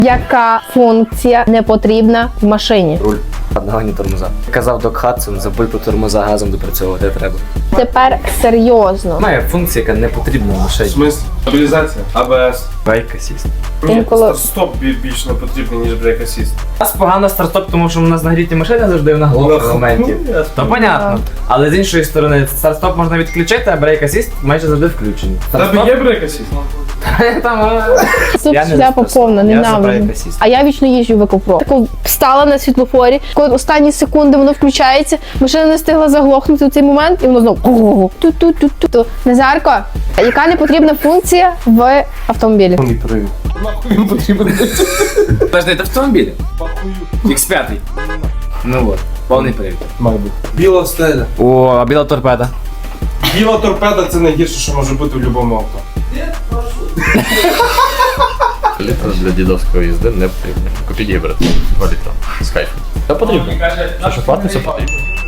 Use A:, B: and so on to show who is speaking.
A: Яка функція не потрібна в машині?
B: Руль. Нагальні тормоза. Казав Док Хадсон, забудь про тормоза, газом допрацьовувати треба.
A: Тепер серйозно.
B: Має функція, яка не потрібна в
C: В
B: машині.
C: смислі? Стабілізація? АБС?
B: Брейк асіст.
C: Ні,
A: Інколи-
C: стоп більш не потрібний, ніж брейк асіст.
B: У нас погано старт-стоп, тому що у нас нагріті машини завжди на голову в моменті. То понятно. Але з іншої сторони, старт-стоп можна відключити, а брейк асіст майже завжди включений.
C: В тебе є брейк асіст?
B: Там,
A: Тут
B: я не
A: шляпа
B: за
A: повна,
B: Я за
A: ненавиджу.
B: брейк асіст.
A: А я вічно їжджу в екопро. Тако встала на світлофорі, коли останні секунди воно включається, машина не встигла заглохнути в цей момент, і воно знову ту-ту-ту-ту. Назарко, яка не потрібна функція в автомобілі?
C: Повний привід. Нахуй він потрібен?
B: Подожди, це автомобіль? X5. Ну от, повний привід.
C: Має бути. Біла стеля.
B: О, а біла торпеда.
C: Біла торпеда це найгірше, що може бути в будь-якому авто.
D: Літр для дідовської їзди не потрібно. Купіть гібрид. 2 літра. З кайфом. Це потрібно. Що платиться, потрібно.